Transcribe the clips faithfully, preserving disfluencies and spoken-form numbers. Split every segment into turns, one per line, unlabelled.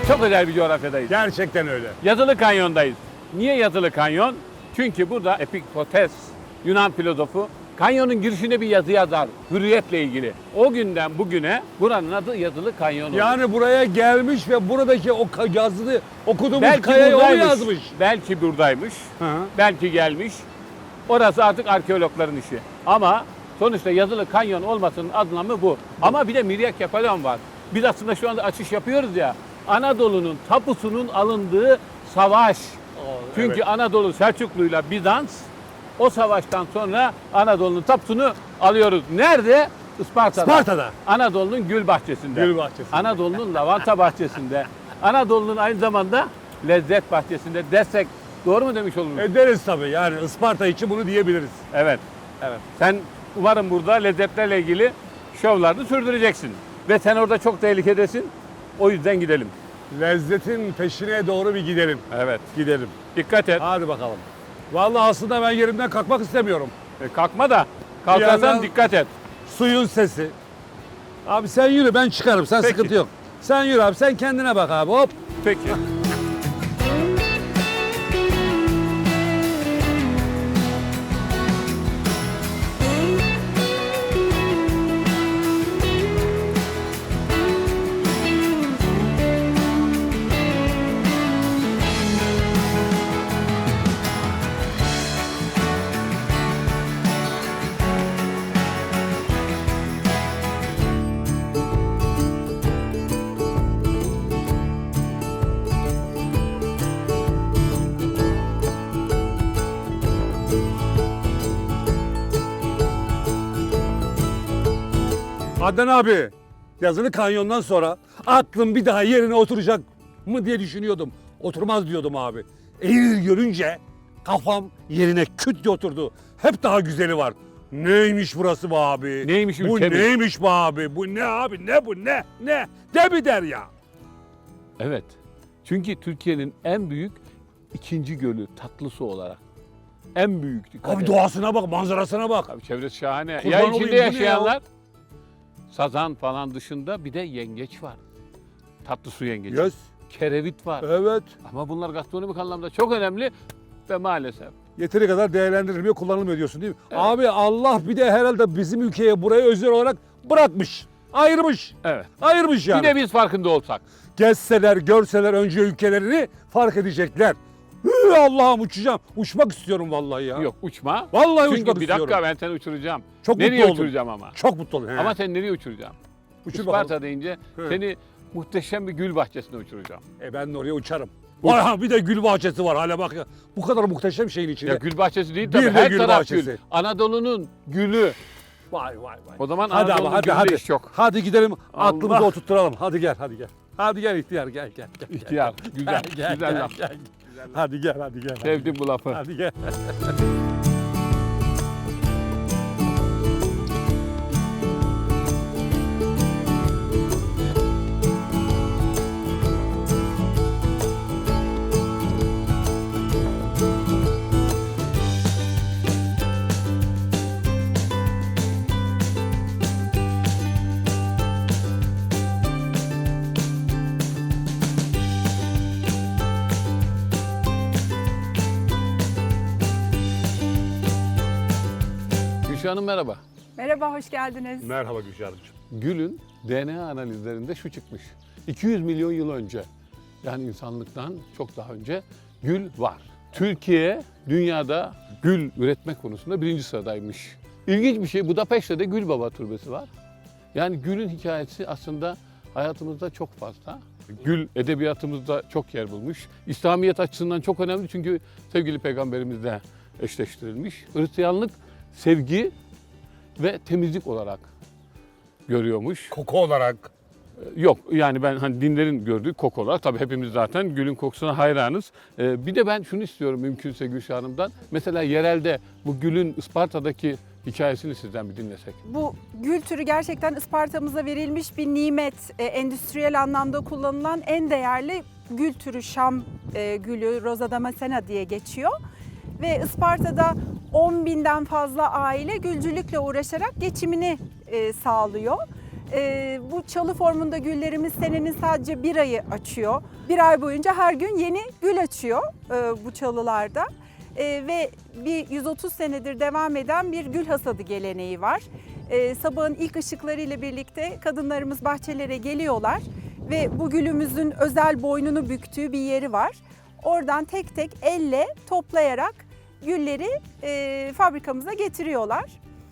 Çok özel bir coğrafyadayız.
Gerçekten öyle.
Yazılı Kanyon'dayız. Niye Yazılı Kanyon? Çünkü burada Epiktetos, Yunan filozofu, kanyonun girişine bir yazı yazar, hürriyetle ilgili. O günden bugüne buranın adı Yazılı Kanyon oldu.
Yani buraya gelmiş ve buradaki o ka- yazılı okuduğumuz
belki
kayayı o
buradaymış,
yazmış.
belki buradaymış,
Hı.
belki gelmiş. Orası artık arkeologların işi. Ama sonuçta Yazılı Kanyon olmasının anlamı bu. Ama bir de Miryakefalon var. Biz aslında şu anda açış yapıyoruz ya. Anadolu'nun tapusunun alındığı savaş. Çünkü
evet.
Anadolu Selçuklu'yla Bizans o savaştan sonra Anadolu'nun tapusunu alıyoruz. Nerede? Isparta'da.
Sparta'da.
Anadolu'nun gül bahçesinde.
Gül bahçesinde.
Anadolu'nun lavanta bahçesinde. Anadolu'nun aynı zamanda lezzet bahçesinde desek doğru mu demiş oluruz?
Ederiz tabii, yani Isparta için bunu diyebiliriz.
Evet. Evet. Sen umarım burada lezzetlerle ilgili şovlarını sürdüreceksin. Ve sen orada çok tehlikedesin. O yüzden gidelim.
Lezzetin peşine doğru bir gidelim.
Evet.
Gidelim.
Dikkat et.
Hadi bakalım. Vallahi aslında ben yerimden kalkmak istemiyorum.
E, kalkma da. Kalkarsan
yandan-
dikkat et.
Suyun sesi. Abi sen yürü, ben çıkarım, sen
Peki.
sıkıntı yok. Sen yürü abi, sen kendine bak abi, hop.
Peki.
Adnan abi, Yazılı Kanyon'dan sonra aklım bir daha yerine oturacak mı diye düşünüyordum. Oturmaz diyordum abi. Eğri görünce kafam yerine küt diye oturdu. Hep daha güzeli var. Neymiş burası be abi?
Neymiş
Bu
ülkemiz?
neymiş be abi? Bu ne abi? Ne bu ne? Ne? De bir der ya.
Evet. Çünkü Türkiye'nin en büyük ikinci gölü tatlı su olarak. En büyük. Dikkat
Abi
et.
doğasına bak, manzarasına bak.
Abi çevresi şahane.
Kurban
ya
olayım,
içinde
bu ne ya?
yaşayanlar sazan falan dışında bir de yengeç var. Tatlı su yengeci.
Yes.
Kerevit var.
Evet.
Ama bunlar gastronomik anlamda çok önemli ve maalesef.
Yeteri kadar değerlendirilmiyor, kullanılmıyor diyorsun değil mi? Abi Allah bir de herhalde bizim ülkeye burayı özel olarak bırakmış. Ayırmış.
Evet.
Ayırmış yani.
Bir de biz farkında olsak.
Gezseler, görseler önce ülkelerini fark edecekler. Hı, Allah'ım uçacağım. Uçmak istiyorum vallahi ya.
Yok uçma.
Vallahi
Çünkü
uçmak
bir
istiyorum.
dakika ben seni uçuracağım.
Çok
nereye
mutlu oldum.
uçuracağım ama?
Çok mutlu oldum. He.
Ama sen nereye uçuracağım?
Uçur
Isparta
bakalım.
deyince
He.
seni muhteşem bir gül bahçesine uçuracağım.
E ben de oraya uçarım.
Uç.
Vay, bir de gül bahçesi var hala bak ya. Bu kadar muhteşem şeyin içinde.
Ya gül bahçesi değil
Bir
tabii.
de
Her
gül
taraf
bahçesi.
gül. Anadolu'nun gülü.
Vay vay vay.
O zaman
hadi
Anadolu'nun
abi, hadi
gülü de
hadi.
iş yok.
Hadi gidelim. Aklımızı
Allah.
oturtturalım. Hadi gel hadi gel. Hadi gel ihtiyar gel gel. gel, gel.
İhtiyar. Güzel.
Gel,
güzel
gel,
laf.
gel. Hadi gel hadi gel. hadi
Sevdim
gel.
bu lafı.
Hadi gel.
Gülşah Hanım merhaba.
Merhaba, hoş geldiniz.
Merhaba Gülşah'cığım.
Gül'ün D N A analizlerinde şu çıkmış. iki yüz milyon yıl önce, yani insanlıktan çok daha önce gül var. Türkiye dünyada gül üretmek konusunda birinci sıradaymış. İlginç bir şey, Budapeşte'de Gül Baba Türbesi var. Yani gülün hikayesi aslında hayatımızda çok fazla. Gül edebiyatımızda çok yer bulmuş. İslamiyet açısından çok önemli çünkü sevgili peygamberimizle eşleştirilmiş. Hristiyanlık sevgi ve temizlik olarak görüyormuş.
Koku olarak.
Yok yani ben hani dinlerin gördüğü koku olarak tabii hepimiz zaten gülün kokusuna hayranız. Ee, bir de ben şunu istiyorum mümkünse Gülşah Hanım'dan. Mesela yerelde bu gülün Isparta'daki hikayesini sizden bir dinlesek.
Bu gül türü gerçekten Isparta'mıza verilmiş bir nimet. E, endüstriyel anlamda kullanılan en değerli gül türü Şam e, gülü, Rosa Damascena diye geçiyor. Ve Isparta'da on binden fazla aile gülcülükle uğraşarak geçimini e, sağlıyor. Ee, bu çalı formunda güllerimiz senenin sadece bir ayı açıyor. Bir ay boyunca her gün yeni gül açıyor e, bu çalılarda. E, ve bir yüz otuz senedir devam eden bir gül hasadı geleneği var. E, sabahın ilk ışıklarıyla birlikte kadınlarımız bahçelere geliyorlar ve bu gülümüzün özel boynunu büktüğü bir yeri var. Oradan tek tek elle toplayarak gülleri e, fabrikamıza getiriyorlar.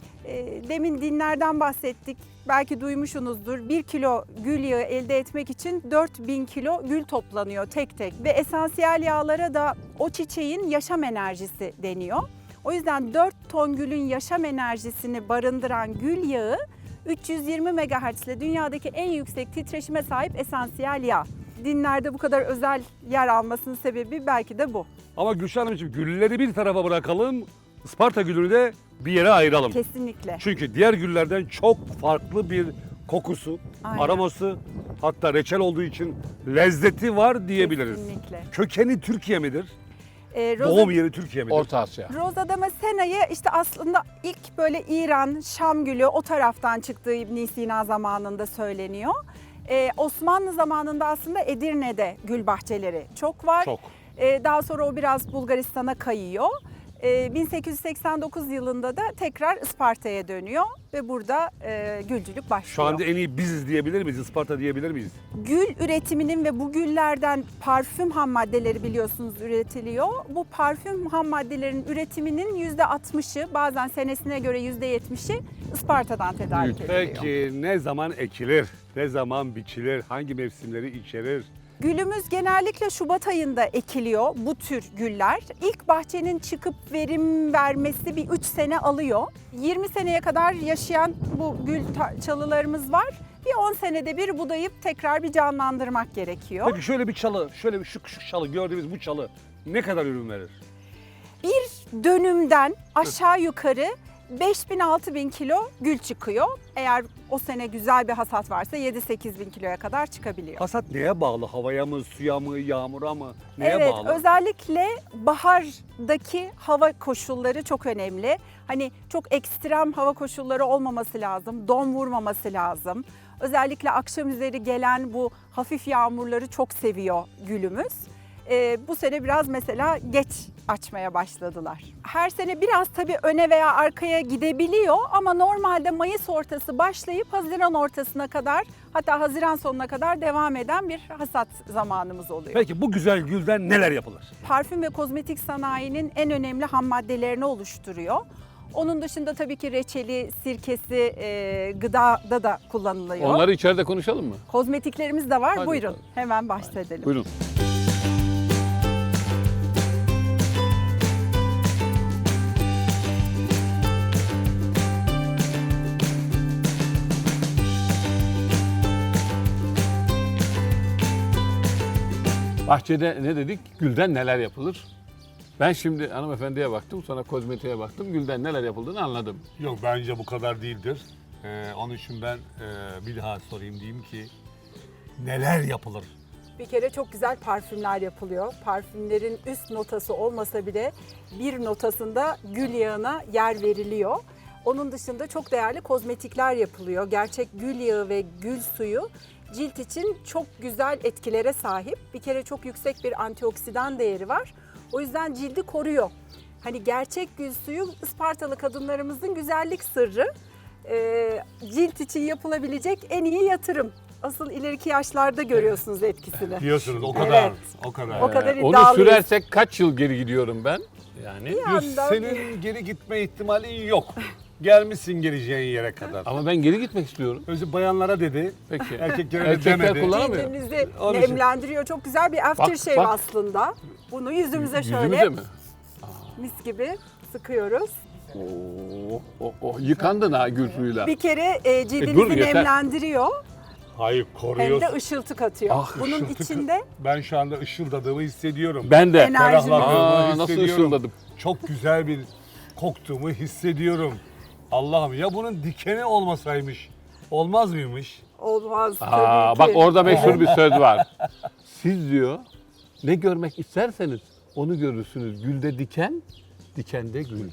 E, demin dinlerden bahsettik. Belki duymuşsunuzdur. Bir kilo gül yağı elde etmek için dört bin kilo gül toplanıyor tek tek. Ve esansiyel yağlara da o çiçeğin yaşam enerjisi deniyor. O yüzden dört ton gülün yaşam enerjisini barındıran gül yağı üç yüz yirmi megahertz ile dünyadaki en yüksek titreşime sahip esansiyel yağ. Dinlerde bu kadar özel yer almasının sebebi belki de bu.
Ama Gülşah Hanımcığım, gülleri bir tarafa bırakalım. Isparta gülünü de bir yere ayıralım.
Kesinlikle.
Çünkü diğer güllerden çok farklı bir kokusu,
Aynen.
aroması, hatta reçel olduğu için lezzeti var diyebiliriz.
Kesinlikle.
Kökeni Türkiye midir?
Ee, Rosa-
Doğum yeri Türkiye midir?
Orta Asya.
Rosa Damascena'yı işte aslında ilk böyle İran, Şam gülü o taraftan çıktığı İbn Sina zamanında söyleniyor. Ee, Osmanlı zamanında aslında Edirne'de gül bahçeleri çok var.
Çok.
Ee, daha sonra o biraz Bulgaristan'a kayıyor. Ee, bin sekiz yüz seksen dokuz yılında da tekrar Isparta'ya dönüyor ve burada e, gülcülük başlıyor.
Şu anda en iyi biziz diyebilir miyiz? Isparta diyebilir miyiz?
Gül üretiminin ve bu güllerden parfüm ham maddeleri biliyorsunuz üretiliyor. Bu parfüm ham maddelerin üretiminin yüzde altmışı, bazen senesine göre yüzde yetmişi Isparta'dan tedarik ediliyor.
Peki ne zaman ekilir? Ne zaman biçilir? Hangi mevsimleri içerir?
Gülümüz genellikle Şubat ayında ekiliyor bu tür güller. İlk bahçenin çıkıp verim vermesi bir üç sene alıyor. yirmi seneye kadar yaşayan bu gül ta- çalılarımız var. Bir on senede bir budayıp tekrar bir canlandırmak gerekiyor.
Peki şöyle bir çalı, şöyle bir şu, şu çalı gördüğümüz bu çalı ne kadar ürün verir?
Bir dönümden aşağı yukarı beş bin altı bin kilo gül çıkıyor. Eğer o sene güzel bir hasat varsa yedi sekiz bin kiloya kadar çıkabiliyor.
Hasat neye bağlı? Havaya mı, suya mı, yağmura mı? Neye
Evet,
bağlı?
özellikle bahardaki hava koşulları çok önemli. Hani çok ekstrem hava koşulları olmaması lazım, don vurmaması lazım. Özellikle akşam üzeri gelen bu hafif yağmurları çok seviyor gülümüz. Ee, bu sene biraz mesela geç açmaya başladılar. Her sene biraz tabii öne veya arkaya gidebiliyor ama normalde Mayıs ortası başlayıp Haziran ortasına kadar, hatta Haziran sonuna kadar devam eden bir hasat zamanımız oluyor.
Peki bu güzel gülden neler yapılır?
Parfüm ve kozmetik sanayinin en önemli ham maddelerini oluşturuyor. Onun dışında tabii ki reçeli, sirkesi, e, gıdada da kullanılıyor.
Onları içeride konuşalım mı?
Kozmetiklerimiz de var.
Hadi
Buyurun,
bakalım.
hemen bahsedelim.
Buyurun. Bahçede ne dedik? Gülden neler yapılır? Ben şimdi hanımefendiye baktım, sonra kozmetiğe baktım. Gülden neler yapıldığını anladım.
Yok, bence bu kadar değildir. Ee, onun için ben e, bir daha sorayım, diyeyim ki neler yapılır?
Bir kere çok güzel parfümler yapılıyor. Parfümlerin üst notası olmasa bile bir notasında gül yağına yer veriliyor. Onun dışında çok değerli kozmetikler yapılıyor. Gerçek gül yağı ve gül suyu cilt için çok güzel etkilere sahip. Bir kere çok yüksek bir antioksidan değeri var. O yüzden cildi koruyor. Hani gerçek gül suyu Ispartalı kadınlarımızın güzellik sırrı. Ee, cilt için yapılabilecek en iyi yatırım. Asıl ileriki yaşlarda görüyorsunuz etkisini.
Diyorsunuz o kadar,
Evet.
o kadar.
O kadar
Onu
iddialıyız.
sürersek kaç yıl geri gidiyorum ben? Yani.
Bir
Diyorsun,
anda-
senin geri gitme ihtimalin yok. Gelmişsin geleceğin yere kadar.
Ama ben geri gitmek istiyorum.
Özü bayanlara dedi,
Peki.
erkeklere de
Erkekler
demedi.
kullanamıyor.
Cildimizi
Onun için.
nemlendiriyor. Çok güzel bir aftershave
bak.
aslında. Bunu yüzümüze şöyle
Yüzümüze mi?
mis gibi sıkıyoruz.
Oo, oh, oh, yıkandın ha gül suyuyla.
Bir kere e, cildimizi
dur, yeter.
nemlendiriyor.
Hayır,
Hem
koruyorsun.
de ışıltı katıyor.
Ah,
Bunun
Işıltı-
içinde
Ben şu anda ışıldadığımı hissediyorum.
Ben de.
Enerji-
Ferahladığımı
Aa, nasıl
hissediyorum.
ışıldadım.
Çok güzel bir koktuğumu hissediyorum. Allah'ım, ya bunun dikeni olmasaymış, olmaz mıymış?
olmaz
Aa,
tabii ki.
bak orada meşhur bir söz var. Siz diyor ne görmek isterseniz onu görürsünüz. Gülde diken, dikende gül.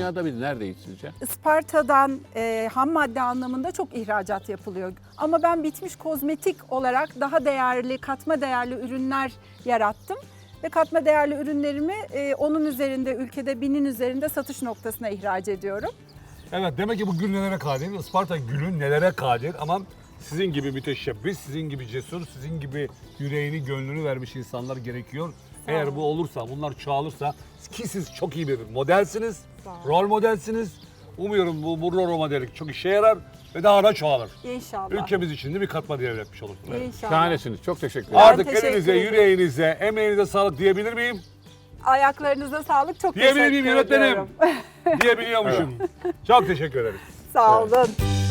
dünyada biz neredeyiz sizce?
Isparta'dan e, ham madde anlamında çok ihracat yapılıyor. Ama ben bitmiş kozmetik olarak daha değerli, katma değerli ürünler yarattım. Ve katma değerli ürünlerimi e, onun üzerinde, ülkede binin üzerinde satış noktasına ihraç ediyorum.
Evet, demek ki bu gül nelere kadir? Isparta gülü nelere kadir? Ama sizin gibi müteşebbis, sizin gibi cesur, sizin gibi yüreğini, gönlünü vermiş insanlar gerekiyor. Eğer bu olursa, bunlar çoğalırsa ki siz çok iyi bir modelsiniz, rol modelsiniz. Umuyorum bu, bu rol modellik çok işe yarar ve daha da çoğalır.
İnşallah.
Ülkemiz için de bir katma değer üretmiş olursunuz.
İnşallah.
Şahanesiniz. Çok teşekkür ederim.
Artık
teşekkür
elinize,
ederim.
yüreğinize, emeğinize sağlık diyebilir miyim?
Ayaklarınıza sağlık. Çok
Diyebilir
teşekkür
miyim yönetmenim?
ediyorum.
Diyebiliyormuşum. Çok teşekkür ederiz.
Sağ olun.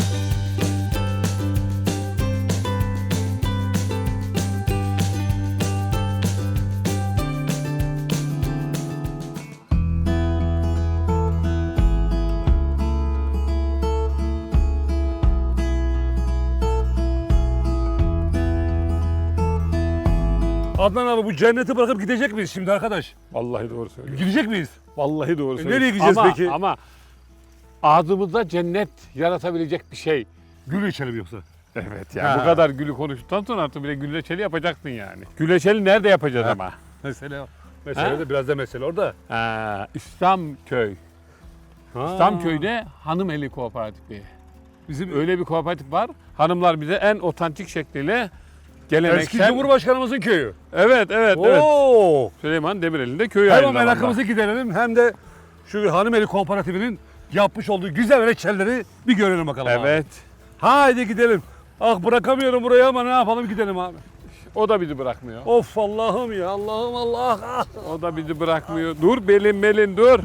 Adnan abi bu cenneti bırakıp gidecek miyiz şimdi arkadaş?
Vallahi doğru söylüyorsun.
Gidecek miyiz?
Vallahi doğru söylüyorsun.
nereye gideceğiz
ama,
peki?
Ama ağzımızda cennet yaratabilecek bir şey.
Gül içelim yoksa.
Evet ya
Ha.
bu kadar gülü konuştuktan sonra artık bir de güleçeli yapacaksın yani. Güleçeli nerede yapacağız ama?
Mesele mesele
Ha?
de biraz da mesele orada.
Ha, İslamköy.
Ha.
İslamköy'de Hanımeli Kooperatifi.
Bizim
Öyle bir kooperatif var. Hanımlar bize en otantik şekliyle geleneksel...
eski Cumhurbaşkanımızın köyü.
Evet, evet, evet.
Oo.
Süleyman Demirel'in de köyü
Hem
aynı
o
zamanda.
merakımızı giderelim hem de şu Hanımeli Kooperatifinin yapmış olduğu güzel reçelleri bir görelim bakalım abi.
Evet.
Haydi gidelim. Ah bırakamıyorum burayı ama ne yapalım gidelim abi.
O da bizi bırakmıyor.
Of Allah'ım ya Allah'ım Allah. Ah.
O da bizi bırakmıyor. Dur belin belin dur.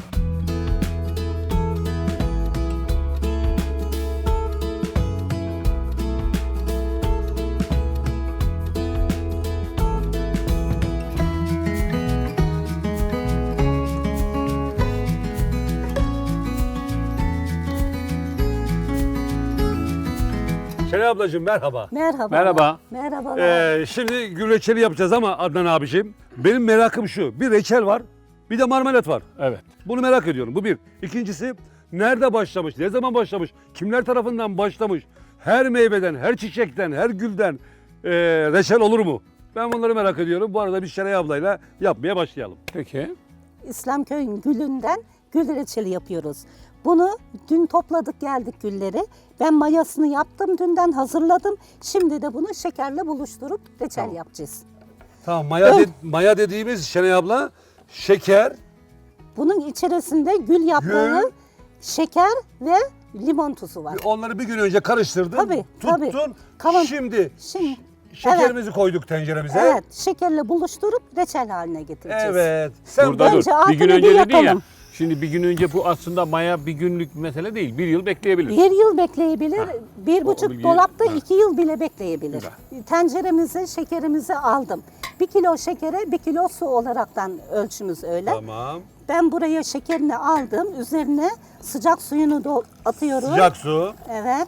Şenay ablacığım merhaba.
Merhaba.
Merhaba.
Merhabalar.
Ee, şimdi gül reçeli yapacağız ama Adnan abiciğim benim merakım şu. Bir reçel var bir de marmelat var.
Evet.
Bunu merak ediyorum. Bu bir. İkincisi nerede başlamış? Ne zaman başlamış? Kimler tarafından başlamış? Her meyveden, her çiçekten, her gülden e, reçel olur mu? Ben bunları merak ediyorum. Bu arada biz Şenay ablayla yapmaya başlayalım.
Peki.
İslamköy'ün gülünden gül reçeli yapıyoruz. Bunu dün topladık geldik gülleri. Ben mayasını yaptım dünden hazırladım. Şimdi de bunu şekerle buluşturup reçel
Tamam.
yapacağız.
Tamam maya, de- maya dediğimiz Şenay abla şeker,
Bunun içerisinde gül yaprağı,
Gül.
şeker ve limon tuzu var.
onları bir gün önce karıştırdın,
Tabii,
tuttun.
tabii. Kavan-
Şimdi
Şimdi
şekerimizi koyduk tenceremize.
evet şekerle buluşturup reçel haline getireceğiz.
Evet. Sen
Burada
Bence
dur. Bir
altını
gün
bir
önce dedin ya.
yakalım.
Şimdi bir gün önce bu aslında maya bir günlük mesele değil. Bir yıl bekleyebilir.
Bir yıl bekleyebilir, bir
O
buçuk
bilgi-
dolapta
ha.
iki yıl bile bekleyebilir.
Güzel.
Tenceremize şekerimizi aldım. Bir kilo şekere bir kilo su olaraktan ölçümüz öyle.
Tamam.
Ben buraya şekerini aldım, üzerine sıcak suyunu do- atıyorum.
Sıcak su.
Evet.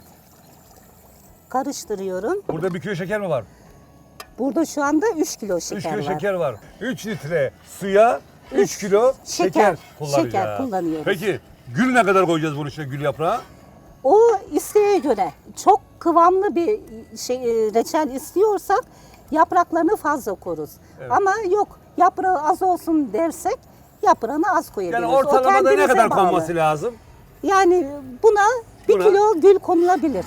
Karıştırıyorum.
Burada bir kilo şeker mi var?
Burada şu anda üç kilo şeker
üç kilo
var.
şeker var. üç litre suya üç kilo şeker,
şeker,
kullanacağız.
şeker kullanıyoruz.
Peki gül ne kadar koyacağız bunun içine gül yaprağı?
O isteğe göre çok kıvamlı bir şey, e, reçel istiyorsak yapraklarını fazla koruz. Ama yok yaprağı az olsun dersek yaprağını az koyabiliriz.
Yani
O
ortalamada ne
kendinize
kadar
bağlı.
konması lazım?
Yani buna bir
Buna-
kilo gül konulabilir.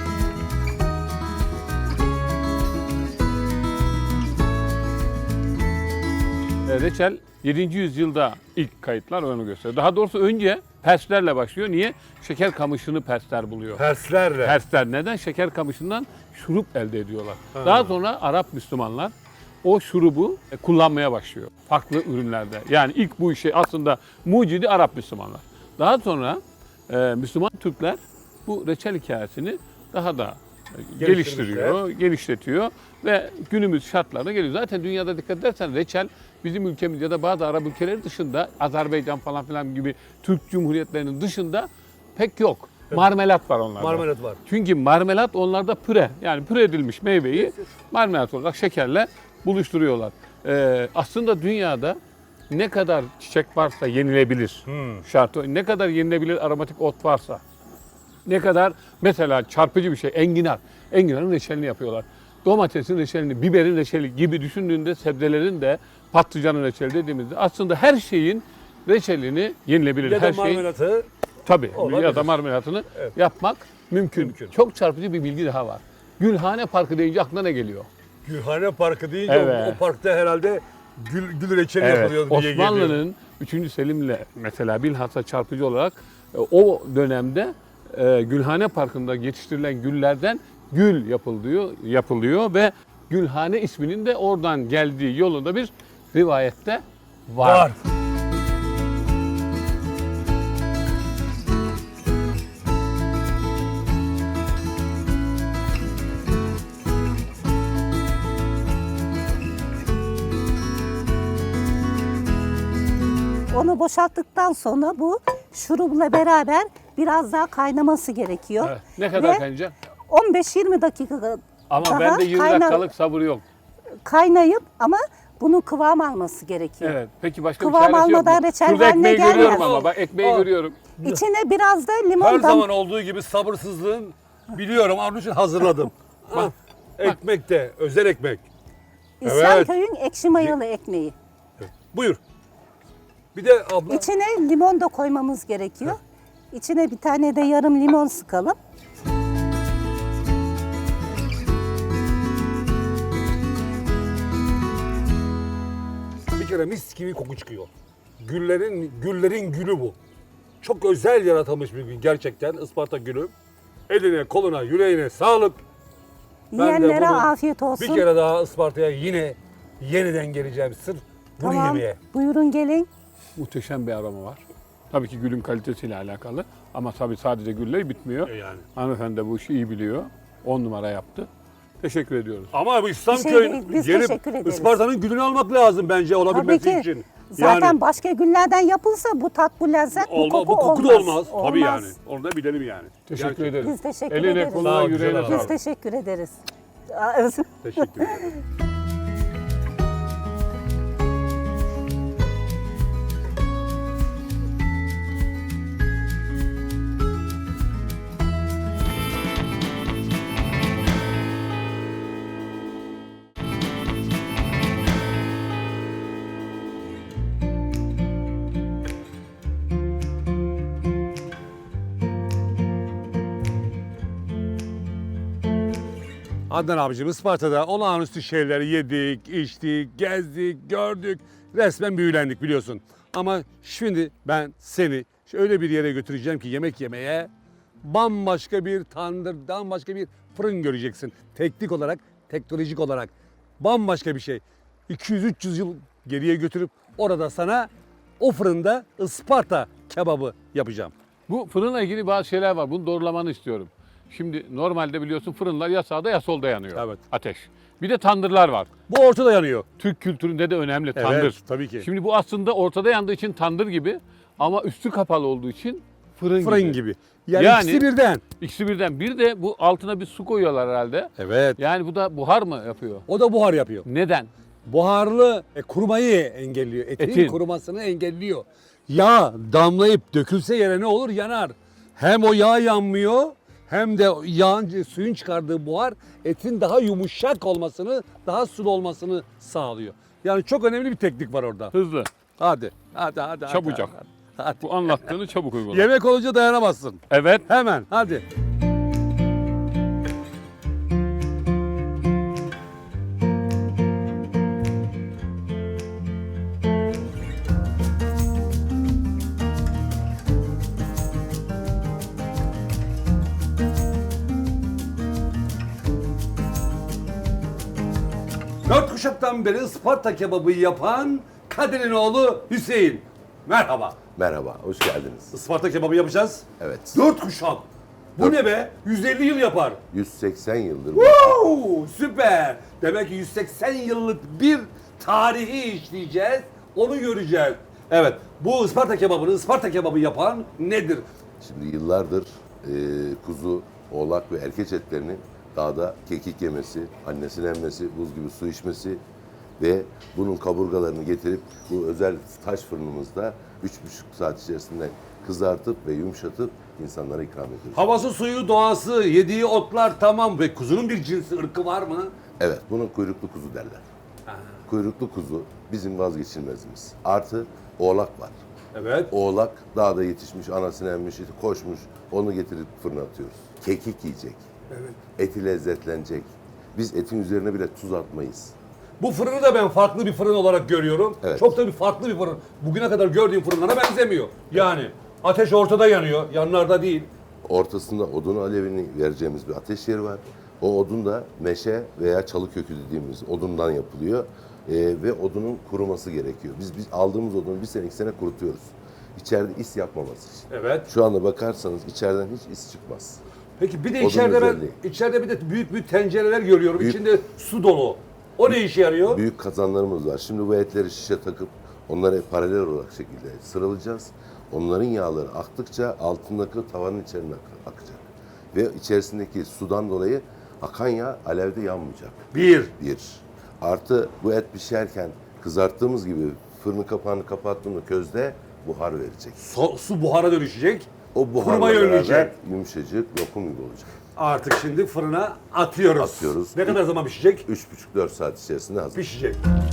E, Reçel yedinci yüzyılda ilk kayıtlar onu gösteriyor. Daha doğrusu önce Perslerle başlıyor. Niye? Şeker kamışını Persler buluyor.
Perslerle.
Persler neden? Şeker kamışından şurup elde ediyorlar. Daha sonra Arap Müslümanlar o şurubu e, kullanmaya başlıyor. Farklı ürünlerde. Yani ilk bu işi aslında mucidi Arap Müslümanlar. Daha sonra e, Müslüman Türkler bu reçel hikayesini daha da e, geliştiriyor, genişletiyor ve günümüz şartlarına geliyor. Zaten dünyada dikkat edersen reçel bizim ülkemiz ya da bazı Arap ülkeleri dışında Azerbaycan falan filan gibi Türk Cumhuriyetlerinin dışında pek yok. Marmelat var onlarda.
Marmelat var.
Çünkü marmelat onlarda püre. Yani püre edilmiş meyveyi marmelat olarak şekerle buluşturuyorlar. Ee, aslında dünyada ne kadar çiçek varsa yenilebilir. Şartı o. Ne kadar yenilebilir aromatik ot varsa. Ne kadar mesela çarpıcı bir şey enginar. Enginarın reçelini yapıyorlar. Domatesin reçelini, biberin reçeli gibi düşündüğünde sebzelerin de patlıcanın reçeli dediğimizde aslında her şeyin reçelini yenilebilir.
Ya da
her şey
marmelatı.
tabii
olabilir.
ya da marmelatını
Evet.
yapmak mümkün.
Mümkün.
Çok çarpıcı bir bilgi daha var. Gülhane Parkı deyince aklına ne geliyor?
Gülhane Parkı deyince
Evet.
o, o parkta herhalde gül, gül reçeli yapılıyor diye geliyor.
Osmanlı'nın üçüncü Selim'le mesela bilhassa çarpıcı olarak e, o dönemde e, Gülhane Parkı'nda yetiştirilen güllerden gül yapılıyor, yapılıyor ve Gülhane isminin de oradan geldiği yolunda bir rivayette var.
Var.
Onu boşalttıktan sonra bu şurubla beraber biraz daha kaynaması gerekiyor.
Evet. Ne kadar
Ve
kaynayacak?
on beş yirmi dakika
Ama
daha
bende yirmi
kayna-
dakikalık sabır yok.
kaynayıp ama bunun kıvam alması gerekiyor.
Evet. Peki başka
Kıvam
bir çaresi yok mu?
almadan reçel
Şurada
haline
ekmeği görüyorum
gelmez.
ama bak ekmeği
Aa.
görüyorum.
İçine biraz da
Her
limon
zaman
dam
olduğu gibi sabırsızlığın biliyorum. Onun için hazırladım. Ah, ekmek de özel ekmek.
İslamköy'ün ekşi mayalı ekmeği.
Buyur. Bir de abla
İçine limon da koymamız gerekiyor. İçine bir tane de yarım limon sıkalım.
bir kere mis gibi koku çıkıyor. Güllerin güllerin gülü bu. Çok özel yaratılmış bir gül gerçekten Isparta gülü. Eline, koluna, yüreğine sağlık. Ben de
Yiyenlere
bunu
afiyet olsun.
Bir kere daha Isparta'ya yine yeniden geleceğim sırf bunu
Tamam.
yemeye.
Buyurun gelin.
Muhteşem bir aroma var. Tabii ki gülün kalitesiyle alakalı. Ama tabii sadece gülle bitmiyor.
E yani.
Hanımefendi de bu işi iyi biliyor. On numara yaptı. Teşekkür ediyoruz.
Ama bu
Bir şey
İslamköy'ün
değil, biz
gelip
teşekkür ederiz.
Isparta'nın gülünü almak lazım bence
Tabii
olabilmesi
ki.
için.
Zaten
Yani
başka günlerden yapılsa bu tat, bu lezzet, bu
olma,
koku
bu koku
olmaz.
da olmaz. Tabii yani. Onu da bilelim yani.
Teşekkür
Gerçekten.
ederim.
Biz teşekkür
Eline,
ederiz.
koluna,
Sağ ol,
yüreğine
güzel
sağlık.
Biz teşekkür ederiz.
Teşekkür ederim. Adnan abicim Isparta'da olağanüstü şeyleri yedik, içtik, gezdik, gördük. Resmen büyülendik biliyorsun. Ama şimdi ben seni öyle bir yere götüreceğim ki yemek yemeye bambaşka bir tandır, bambaşka bir fırın göreceksin. Teknik olarak, teknolojik olarak bambaşka bir şey. iki yüz üç yüz yıl geriye götürüp orada sana o fırında Isparta kebabı yapacağım.
Bu fırınla ilgili bazı şeyler var. Bunu doğrulamanı istiyorum. Şimdi normalde biliyorsun fırınlar ya sağda ya solda yanıyor.
Evet.
Ateş. Bir de tandırlar var.
Bu ortada yanıyor.
Türk kültüründe de önemli
Evet,
tandır.
tabii ki.
Şimdi bu aslında ortada yandığı için tandır gibi ama üstü kapalı olduğu için fırın,
Fırın
gibi.
gibi. Yani,
Yani-
ikisi birden.
İkisi birden. Bir de bu altına bir su koyuyorlar herhalde.
Evet.
Yani bu da buhar mı yapıyor?
O da buhar yapıyor.
Neden?
Buharlı e, kurumayı engelliyor. Etin,
Etin.
kurumasını engelliyor. Yağ damlayıp dökülse yere ne olur? Yanar. Hem o yağ yanmıyor hem de yağın, suyun çıkardığı buhar etin daha yumuşak olmasını, daha sulu olmasını sağlıyor. Yani çok önemli bir teknik var orada.
Hızlı.
Hadi, hadi, hadi. hadi,
Çabucak.
Hadi, hadi.
Bu anlattığını çabuk uygula.
Yemek olunca dayanamazsın.
Evet.
Hemen, hadi. Dört kuşaktan beri Isparta kebabı yapan Kadir'in oğlu Hüseyin. Merhaba.
Merhaba, hoş geldiniz.
Isparta kebabı yapacağız.
Evet,
Dört kuşak. Bu ne be? yüz elli yıl yapar.
yüz seksen yıldır bu.
Wow, süper. Demek ki yüz seksen yıllık bir tarihi işleyeceğiz. Onu göreceğiz. Evet, bu Isparta kebabını, Isparta kebabı yapan nedir?
Şimdi yıllardır e, kuzu, oğlak ve erkeç etlerinin dağda kekik yemesi, annesini emmesi, buz gibi su içmesi ve bunun kaburgalarını getirip bu özel taş fırınımızda üç buçuk saat içerisinde kızartıp ve yumuşatıp insanlara ikram ediyoruz.
Havası, suyu, doğası, yediği otlar tamam ve kuzunun bir cinsi, ırkı var mı?
Evet, buna kuyruklu kuzu derler. Kuyruklu kuzu bizim vazgeçilmezimiz. Artı oğlak var.
Evet.
Oğlak dağda yetişmiş, anasını emmiş, koşmuş. Onu getirip fırına atıyoruz. Kekik yiyecek.
Evet.
Eti lezzetlenecek. Biz etin üzerine bile tuz atmayız.
Bu fırını da ben farklı bir fırın olarak görüyorum.
Evet.
Çok da bir farklı bir fırın. Bugüne kadar gördüğüm fırınlara benzemiyor. Yani ateş ortada yanıyor, yanlarda değil.
Ortasında odun alevini vereceğimiz bir ateş yeri var. O odun da meşe veya çalı kökü dediğimiz odundan yapılıyor. Ee, ve odunun kuruması gerekiyor. Biz biz aldığımız odunu bir sene iki sene kurutuyoruz. İçeride is yapmaması için.
Evet.
Şu anda bakarsanız içeriden hiç is çıkmaz.
Peki bir de
Odun
içeride ben
özelliği.
içeride bir de büyük büyük tencereler görüyorum.
Büyük-
İçinde su dolu. O ne işe yarıyor?
Büyük kazanlarımız var. Şimdi bu etleri şişe takıp onları paralel olarak şekilde sıralayacağız. Onların yağları aktıkça altındaki tavanın içerisine ak- akacak. Ve içerisindeki sudan dolayı akan yağ alevde yanmayacak.
Bir.
Bir. Artı bu et pişerken kızarttığımız gibi fırını kapağını kapattığında közde buhar verecek.
So- su buhara dönüşecek.
O buharla
Kurumayı
beraber
önleyecek.
yumuşacık lokum gibi olacak.
Artık şimdi fırına atıyoruz.
Atıyoruz.
Ne kadar zaman pişecek?
üç buçuk dört saat içerisinde hazır.
Pişecek.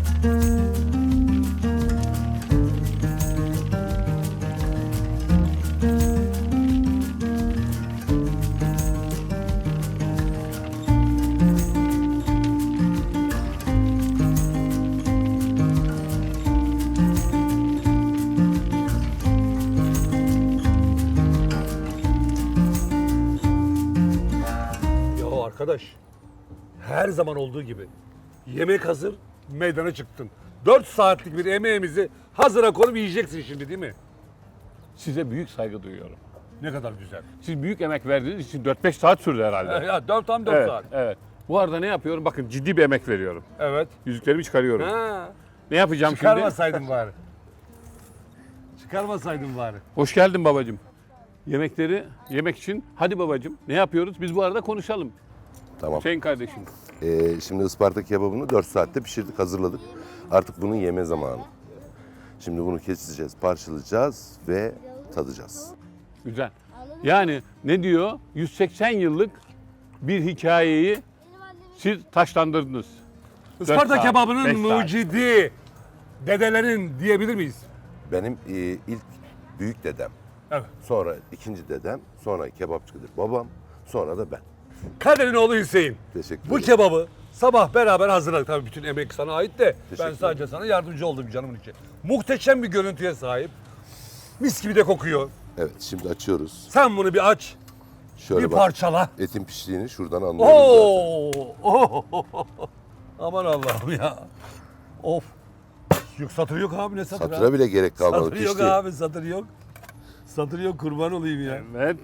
Ya arkadaş, her zaman olduğu gibi yemek hazır, meydana çıktın. dört saatlik bir emeğimizi hazıra konup yiyeceksin şimdi değil mi?
Size büyük saygı duyuyorum.
Ne kadar güzel.
Siz büyük emek verdiğiniz için dört beş saat sürdü herhalde.
Ya dört tam dört
Evet,
saat.
evet. Bu arada ne yapıyorum? Bakın ciddi bir emek veriyorum.
Evet.
Yüzüklerimi çıkarıyorum.
Ha.
Ne yapacağım şimdi?
Çıkarmasaydın bari. Çıkarmasaydın bari.
Hoş geldin babacığım. Yemekleri yemek için hadi babacığım ne yapıyoruz? Biz bu arada konuşalım.
Tamam.
Hüseyin kardeşim.
Ee, şimdi Isparta kebabını dört saatte pişirdik, hazırladık. Artık bunun yeme zamanı. Şimdi bunu keseceğiz, parçalayacağız ve tadacağız.
Güzel. Yani ne diyor? yüz seksen yıllık bir hikayeyi siz taşlandırdınız. Dört
Isparta
saat,
kebabının
beş saat.
mucidi dedelerin diyebilir miyiz?
Benim e, ilk büyük dedem,
Evet.
sonra ikinci dedem, sonra kebapçıdır babam, sonra da ben.
Kader'in oğlu Hüseyin.
Teşekkür
Bu
ederim.
kebabı sabah beraber hazırladık. Tabii bütün emek sana ait de ben
Teşekkür
sadece sana yardımcı oldum canımın içi. Muhteşem bir görüntüye sahip. Mis gibi de kokuyor.
Evet, şimdi açıyoruz.
Sen bunu bir aç,
Şöyle
bir
bak,
parçala.
etin piştiğini şuradan anlıyoruz zaten.
Oo! Oo! Aman Allah'ım ya. Of. Yok satır yok abi, ne satır
Satıra
abi?
bile gerek kalmadı,
Satır yok
pişti.
abi, satır yok. Satır yok, kurban olayım ya.
Evet.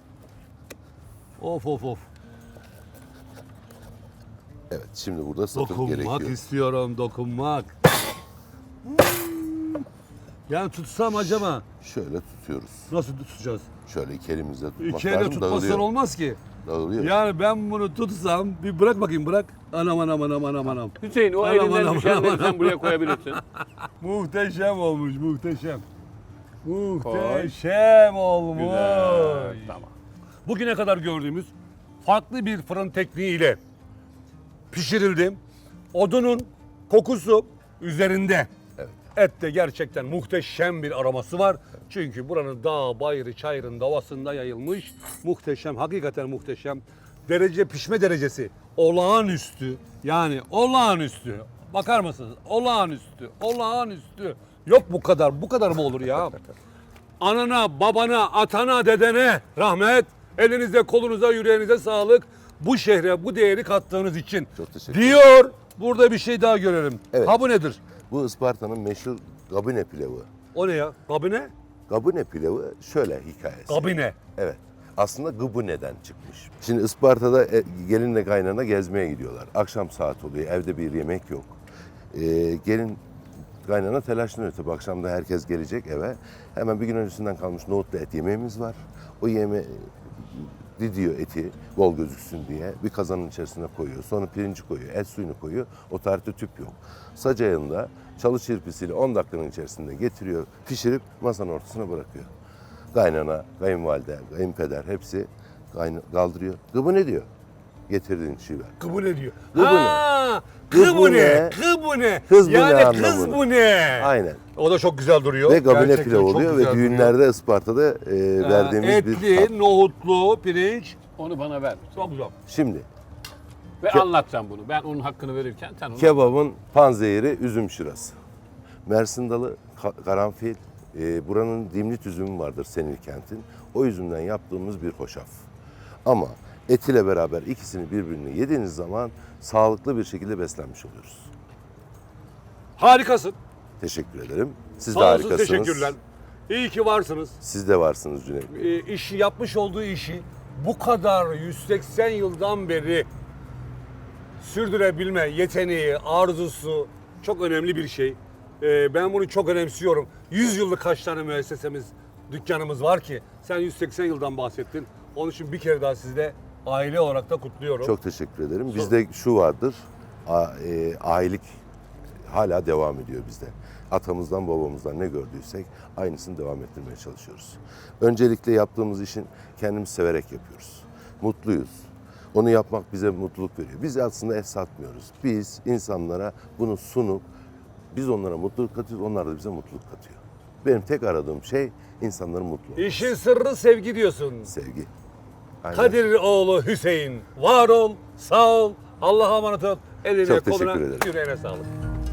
Of of of.
Evet, şimdi burada satır
Dokunmak
gerekiyor.
istiyorum, dokunmak. Hmm. Yani tutsam acaba
Şöyle tutuyoruz.
nasıl tutacağız?
Şöyle iki elimizle tutmak
İki elle
lazım,
tutmazsan
dağılıyor.
olmaz ki.
Dağılıyor.
Yani ben bunu tutsam, bir bırak bakayım bırak. Anam anam anam anam anam.
Hüseyin o
Anam,
elinden
anam,
düşenleri
anam,
sen buraya koyabilirsin.
Muhteşem olmuş, muhteşem. Muhteşem olmuş.
Güzel. Tamam.
Bugüne kadar gördüğümüz farklı bir fırın tekniğiyle pişirildi. Odunun kokusu üzerinde.
Evet.
Ette gerçekten muhteşem bir aroması var. Çünkü buranın dağ, bayırı, çayırın havasında yayılmış. Muhteşem, hakikaten muhteşem. Derece, pişme derecesi olağanüstü. Yani olağanüstü. Bakar mısınız? Olağanüstü, olağanüstü. Yok bu kadar, bu kadar mı olur ya? Anana, babana, atana, dedene rahmet. Elinize, kolunuza, yüreğinize sağlık. Bu şehre bu değeri kattığınız için.
Çok teşekkür
Diyor. Burada bir şey daha görelim.
Evet.
Ha bu nedir?
Bu Isparta'nın meşhur gabine pilavı.
O ne ya? Kabine?
Gabine pilavı şöyle hikayesi.
Kabine.
Evet. Aslında gıbıne'den çıkmış. Şimdi Isparta'da e, gelinle kaynana gezmeye gidiyorlar. Akşam saat oluyor, evde bir yemek yok. Ee, gelin kaynana telaşlanıyor tabii. Akşam da herkes gelecek eve. Hemen bir gün öncesinden kalmış nohutlu et yemeğimiz var. O yeme didiyor eti bol gözüksün diye. Bir kazanın içerisine koyuyor. Sonra pirinci koyuyor. Et suyunu koyuyor. O tarihte tüp yok. Saç ayında çalı çırpisiyle on dakikanın içerisinde getiriyor. Pişirip masanın ortasına bırakıyor. Kaynana, kayınvalide, kayınpeder hepsi kayna- kaldırıyor. Gıbı ne diyor? Getirdiğin çiğ ver.
Kız ne diyor?
Kız bu
Ha,
Kız
kız
bu
bu ne?
ne?
Kız bu ne?
Kız bu ne
Yani kız
anlamında.
bu ne?
Aynen.
O da çok güzel duruyor.
Ve gabine
Gerçekten
pilav
çok
oluyor ve
güzel duruyor.
düğünlerde Isparta'da e, verdiğimiz
Ha,
bir
etli,
tat.
nohutlu, pirinç.
Onu bana ver.
Çok güzel.
Şimdi
Ve anlatacağım bunu. Ben onun hakkını verirken sen onu...
kebabın panzehiri üzüm şırası. Mersin dalı, ka- karanfil, e, buranın dimlit üzümü vardır Senilkent'in. O üzümden yaptığımız bir hoşaf. Ama et ile beraber ikisini birbirine yediğiniz zaman sağlıklı bir şekilde beslenmiş oluyoruz.
Harikasın.
Teşekkür ederim. Siz de
Sağ olsun,
harikasınız.
teşekkürler. İyi ki varsınız.
Siz de varsınız Cüneyt Bey.
e, işi yapmış olduğu işi bu kadar yüz seksen yıldan beri sürdürebilme yeteneği, arzusu çok önemli bir şey. E, ben bunu çok önemsiyorum. yüz yıllık kaç tane müessesemiz, dükkanımız var ki sen yüz seksen yıldan bahsettin. Onun için bir kere daha sizde aile olarak da kutluyorum.
Çok teşekkür ederim. Bizde şu vardır, a, e, ailelik hala devam ediyor bizde. Atamızdan babamızdan ne gördüysek aynısını devam ettirmeye çalışıyoruz. Öncelikle yaptığımız işin kendimiz severek yapıyoruz. Mutluyuz. Onu yapmak bize mutluluk veriyor. Biz aslında et satmıyoruz. Biz insanlara bunu sunup biz onlara mutluluk katıyoruz, onlar da bize mutluluk katıyor. Benim tek aradığım şey insanların mutlu olması.
İşin sırrı sevgi diyorsun.
Sevgi. Aynen.
Kadir oğlu Hüseyin, var ol, sağ ol, Allah'a emanet ol. Eline,
Çok teşekkür
koluna,
ederim.
yüreğine sağlık.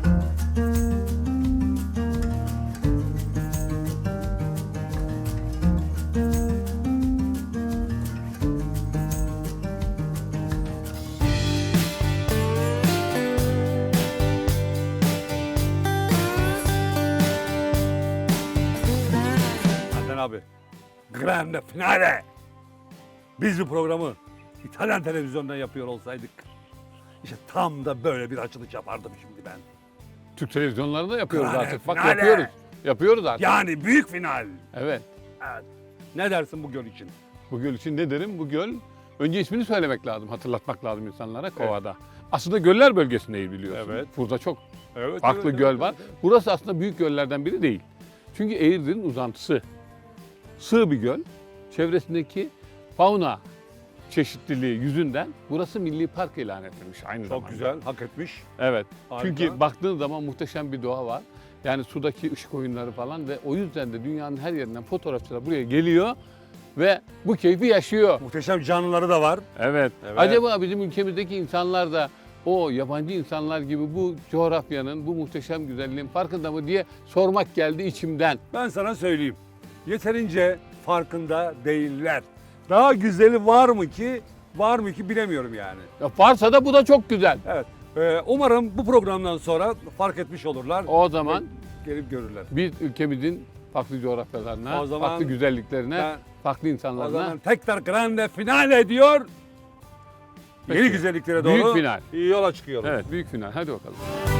Adnan abi, grande finale. Biz bu programı İtalyan televizyondan yapıyor olsaydık, işte tam da böyle bir açılış yapardım şimdi ben.
Türk televizyonlarında yapıyoruz
Grande
artık. Bak
finale.
yapıyoruz. Yapıyoruz artık.
Yani büyük final.
Evet.
Evet. Ne dersin bu göl için?
Bu göl için ne derim? Bu göl, önce ismini söylemek lazım, hatırlatmak lazım insanlara Kova'da. Aslında göller bölgesindeyiz biliyorsun.
Evet.
Burada çok
Evet.
farklı
evet,
göl
evet,
var.
evet.
Burası aslında büyük göllerden biri değil. Çünkü Eğirdir'in uzantısı. Sığ bir göl. Çevresindeki fauna çeşitliliği yüzünden burası milli park ilan edilmiş aynı zamanda.
Çok güzel, hak etmiş.
Evet.
Harika.
Çünkü baktığın zaman muhteşem bir doğa var. Yani sudaki ışık oyunları falan ve o yüzden de dünyanın her yerinden fotoğrafçılar buraya geliyor ve bu keyfi yaşıyor.
Muhteşem canlıları da var.
Evet.
Evet.
Acaba bizim ülkemizdeki insanlar da o yabancı insanlar gibi bu coğrafyanın, bu muhteşem güzelliğin farkında mı diye sormak geldi içimden.
Ben sana söyleyeyim. Yeterince farkında değiller. Daha güzeli var mı ki, var mı ki bilemiyorum yani.
Ya varsa da bu da çok güzel.
Evet. Ee, umarım bu programdan sonra fark etmiş olurlar.
O zaman
ve gelip görürler.
biz ülkemizin farklı coğrafyalarına,
O zaman
farklı güzelliklerine,
ben-
farklı
O
insanlarına
zaman tekrar grande finale diyor.
Peki.
Yeni güzelliklere doğru
Büyük final.
yola çıkıyoruz.
Evet, büyük final. Hadi bakalım.